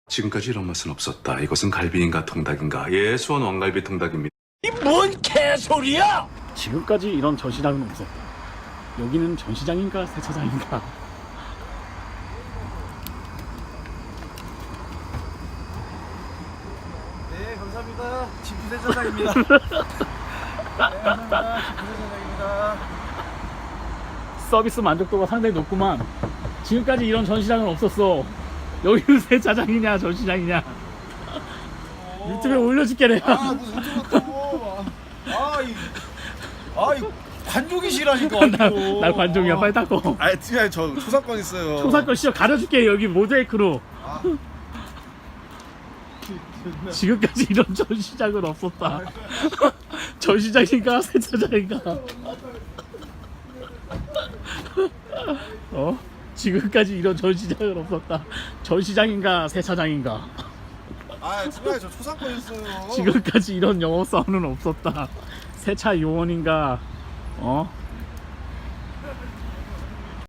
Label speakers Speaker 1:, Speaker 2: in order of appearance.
Speaker 1: 지금까지 이런 맛은 없었다. 이것은 갈비인가 통닭인가? 예, 수원 왕갈비 통닭입니다.
Speaker 2: 이 뭔 개소리야!
Speaker 3: 지금까지 이런 전시장은 없었다. 여기는 전시장인가 세차장인가?
Speaker 4: 네, 감사합니다. 지부세차장입니다. 네, 감사합니다. 지부세차장입니다.
Speaker 3: 서비스 만족도가 상당히 높구만. 지금까지 이런 전시장은 없었어. 여기는 세차장이냐 전시장이냐? 유튜브에 올려줄게 내가.
Speaker 4: 아, 무슨 저것도. 이 관종이시라니까.
Speaker 3: 날 관종이야. 빨리 닦고.
Speaker 4: 아, 진짜 저 초상권 있어요.
Speaker 3: 초상권 시험 가려줄게. 여기 모자이크로.
Speaker 4: 아.
Speaker 3: 지금까지 이런 전시장은 없었다. 전시장인가 세차장인가? 어? 지금까지 이런 전시장은 없었다. 전시장인가 세차장인가?
Speaker 4: 아, 진짜 저 초상권 있어요.
Speaker 3: 지금까지 이런 영업사원은 없었다. 세차 요원인가? 어?